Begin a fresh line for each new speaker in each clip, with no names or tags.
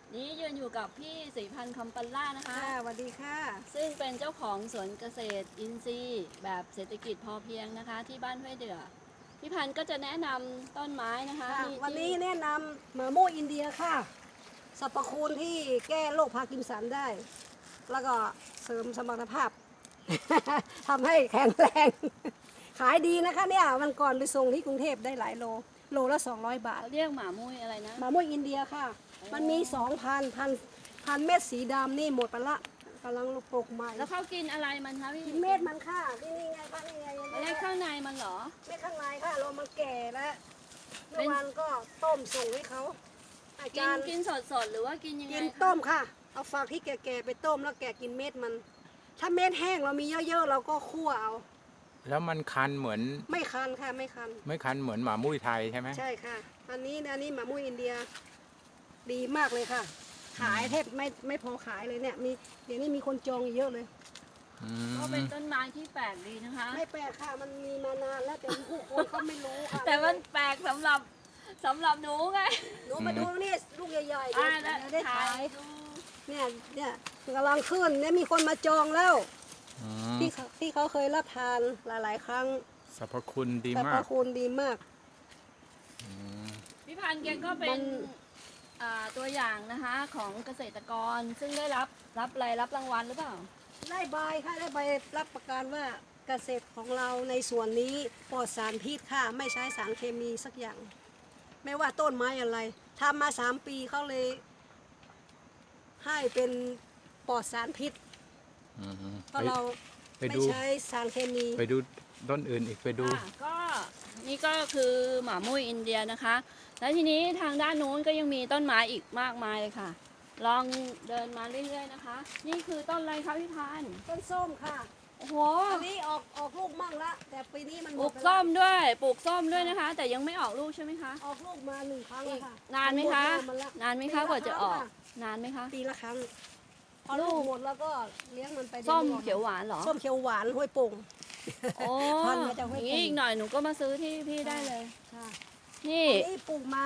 นี้ยืนอยู่กับพี่ศรีพันธ์คำปัลล่านะคะ
ค่ะสวัสดีค่ะ
ซึ่งเป็นเจ้าของสวนเกษตรอินทรีย์แบบเศรษฐกิจพอเพียงนะคะ ที่บ้านห้วยเดือพี่พันธ์ก็จะแนะนำต้นไม้นะคะ
วันนี้แนะนำมะม่วงอินเดียค่ะสรรพคุณที่แก้โรคพาร์กินสันได้ แล้วก็เสริมสมรรถภาพ ทำให้แข็งแรง ขายดีนะคะเนี่ยวันก่อนไปส่งที่กรุงเทพได้หลายโลละ200 บาท
เขาเรียกหมามุ้ยอะไรนะ
มะม่วงอินเดียค่ะ มันมีพันเม็ดสีดำนี่หมดไปละกำลังปลูกใหม่
แล้วเขากินอะไรมันคะพี่
กินเม็ดมันค่ะนี่ไงคะนี่ไง
ไม่ได้ข้างในมันเหรอ
เม็ดข้างในค่ะเรามันแก่แล้ว
เป็
เมื่อน วานก็ต้มส่งให้เขาอา
กิ
จาน รย์
กินสดหรือว่ากินยังไง
กิน
คะ
ต้มค่ะเอาฝักที่แก่ๆไปต้มแล้วแกะกินเม็ดมัน ถ้าเม็ดแห้งเรามีเยอะๆเราก็คั่วเอา
แล้วมันคันเหมือน
ไม่คันค่ะไม่คัน
ไม่คันเหมือนหมามุ้ยไทยใช่ไหม
ใช่ค่ะอันนี้หมามุ้ยอินเดียดีมากเลยค่ะ ขายแทบไม่พอขายเลยเนี่ยมีเดี๋ยวนี้มีคนจองเยอะเลย
อืม
ก็เป็นต้นไม้ที่แปลกดีนะคะ
ไม่แปลกค่ะมันมีมานานแล้วแต่ผู้คนเขาไม่รู้ค่ะ
แต่มันแปลกสำหรับหนูไง
หนูมาดูนี่ลูกใหญ่ๆ
อ่า
เดี๋
แล้ว
ยวได้
ถ่า
ขาย
ยดู
เนี่ยกำลังขึ้นเนี่ยมีคนมาจองแล้ว
อืม
ที่เขาเคยรับทานหลายๆ ครั้ง
สรรพคุณดี
แต่
มา
พ
ก
ระคุณดีมาก
อืม
พี่พันธ์แกก็เป็
มัน น
ตัวอย่างนะคะของเกษตรกรซึ่งได้รับรางวัลหรือเปล่า
ได้ใบค่ะได้ใบรับประกันว่าเกษตรของเราในส่วนนี้ปลอดสารพิษค่ะไม่ใช้สารเคมีสักอย่าง ไม่ว่าต้นไม้อะไรทำมา3 ปีเขาเลย ให้เป็นปลอดสารพิษ
อืม
เพราะเรา
ไป
ไม่
ดู
ใช้สารเคมี
ไปดูต้นอื่นอีกไปดู
ค่ะก็นี่ก็คือหมามุ้ยอินเดียนะคะ แล้วทีนี้ทางด้านนู้นก็ยังมีต้นไม้อีกมากมายเลยค่ะ ลองเดินมาเรื่อยๆนะคะ นี่คือต้นอะไรคะพี่พันธ์
ต้นส้มค่ะ
โอ้โห
อันนี้ออกลูกมั่งละแต่ปีนี้มันห
ป
ม
ลู
ด
ก
ไป
ส้
ละ
มด้วยปลูกส้มด้วยนะคะ แต่ยังไม่ออกลูกใช่ไหมคะ
ออกลูกมา1 ครั้ง
อี
แล้ว
ก
ค่ะ
นานไหมคะ
ดลูกละ
นานไหมคะกว่าจะออกนานไหมคะ
ปีละครั้งพอลูกหมดแล้วก็เลี้ยงมันไป
ส้ม
รื่อๆ
เขียวหวานเหรอ
ส้มเขียวหวานห้วยโป่ง
โอ้
พันธุ์มาจากห้วย
อย่าง
โป่
นี้
ง
อีกหน่อยหนูก็มาซื้อที่พี่ได้เลย
ค่ะ
นี่
อันนี้ปลูกมา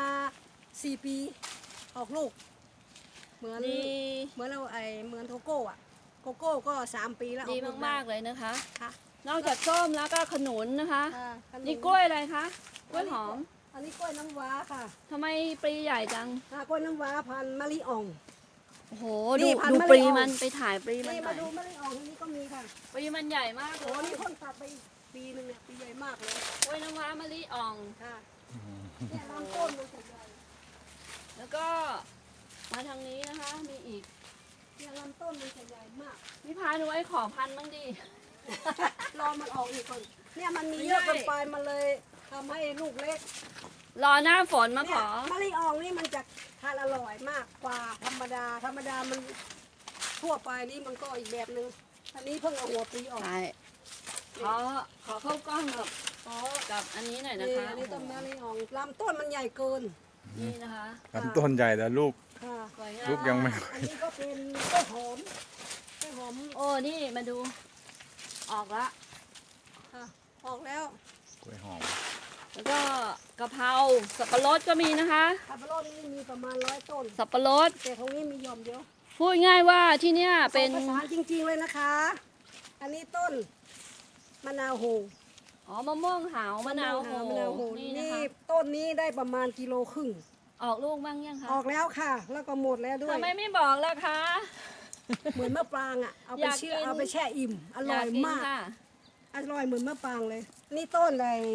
4 ปีออกลูก เหมือน
ดี
เหมือนเราเหมือนโกโก้อะโกโก้ก็3 ปีแล้วอ
ดี
อกลู
มากๆเลยนะคะ
ค่ะ
นอกจากส้มแล้วก็ขนุนนะคะ
ค่ะขนุ
นี่กล้วยอะไรคะ กล้วยหอม
อันนี้กล้วยน้ำว้าค่ะ
ทำไมปลีใหญ่จัง
กล้วยน้ำว้าพันธุ์มะลิอ่อง
โอ้โห
นี่
ดู
พันธุ์
ดู
มะลิ
ปลี
อ่อง
มันไปถ่ายปลีมัน
นี่
หน่
มา
อย
ดูมะลิอ่องที่นี่ก็มีค่ะ
ปลีมันใหญ่มาก
โอ้
เลย
นี่เพิ่งตัดไปปีหนึงเนี่ยปีใหญ่มากเลย
กล้วยน้ำว้ามะลิอ่อง
ค่ะเนี่ยลำต้นมันจะใหญ่
แล้วก็มาทางนี้นะคะ มีอีก
เนี่ยลำต้นมันจะใหญ่มาก
พี่พาหนูไว้ขอพันธุ์บ้างดิ
รอมันออกอีกก่อนเนี่ยมันมี
ไม่
เยอะ
ได้
เกินไปมันเลยทำให้ลูกเล็ก
รอหน้าฝนมา
เนี่
ข
ย
อ
มะลิอ่องนี่มันจะทานอร่อยมากกว่าธรรมดามันทั่วไปนี่มันก็อีกแบบนึงอันนี้เพิ่งเอาหัวปลีออก
ใช่ขอเข้ากล้องกับกับอันนี้หน่อยนะ
นี่
คะ
อันนี้ต้นมะลิอ่องลำต้นมันใหญ่เกิน
นี่นะคะ
ลำต้นใหญ่แต่ลูก
ค่ะ
สวยงาม
ลูกยังไม่
อันนี้ก็เป็นต้นหอมต้นหอม
โอ้นี่มาดู ออกละ
ค่ะออกแล้ว
กล้วยหอม
แล้วก็กะเพราสับปะรดก็มีนะคะ
สับปะรดนี่มีประมาณ100 ต้น
สับปะรด
แต่ของนี้มีหย่อมเดียว
พูดง่ายว่าที่เนี่ยเป็น
ภาษานจริงๆเลยนะคะ อันนี้ต้นมะนาวโห
อ๋อมะม่วงหาวมะนาวโห
มะนาวโห
นี่
นี่
นะคะ
ต้นนี้ได้ประมาณ1.5 กิโล
ออกลูกบ้างยังคะ
ออกแล้วค่ะ แล้วก็หมดแล้วด้วย
ทำไมไม่บอกล่ะคะ
เหมือนมะปรางอ่ะเอาไป
อยาก
เชื่
กิน
เอาไปแช่อิ่มอร่อย
กกิน
มาก
ค่ะ
อร่อยเหมือนมะปรางเลย นี่ต้น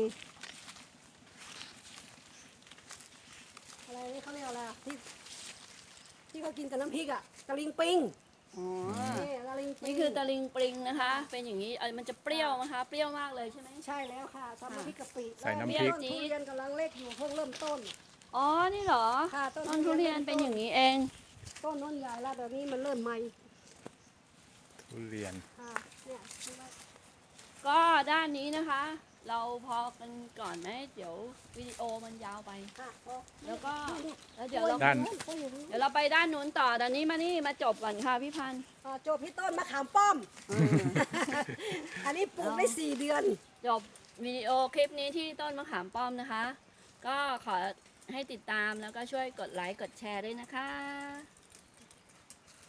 อะไรนี่เขาเรียกอะไรอะที่เขากินกับน้ำพริกอ่ะตะลิงปิง
อ๋อ
นี่ตะลิงปิง
นี่คือตะลิงปริงนะคะ เป็นอย่างนี้มันจะเปรี้ยวนะคะ เปรี้ยวมากเลยใช่ไหม
ใช่แล้วค่ะทำน้ำพริกกะปิ
ใส่น้ำพริก
แล้วต้นทุเรียนกำลังเล็กอยู่เพิ่งเริ่มต้น
อ๋อ นี่เหรอ
ค่ะต้น
ต้นทุเรียนเป็นอย่างนี้เอง
ต้นน้นใหญ่แล้วแต่นี้มันเริ่มใหม่
ทุเรียน
ค่ะเนี่ยดูไว้
ก็ด้านนี้นะคะ เราพอกันก่อนไหมเดี๋ยววิดีโอมันยาวไป
ค่ะพอ
แล้วก็
นี่
แล้วเดี๋ยวเรา
ด้าน
เขาอยู่นี่
เดี๋ยวเราไปด้านนู้นต่อตอนนี้มาจบก่อนค่ะพี่พันธ์
จบพี่ต้นมะขามป้อม อันนี้ปลูกได้4 เดือน
จบวิดีโอคลิปนี้ที่ต้นมะขามป้อมนะคะ ก็ขอให้ติดตามแล้วก็ช่วยกดไลค์กดแชร์ด้วยนะคะ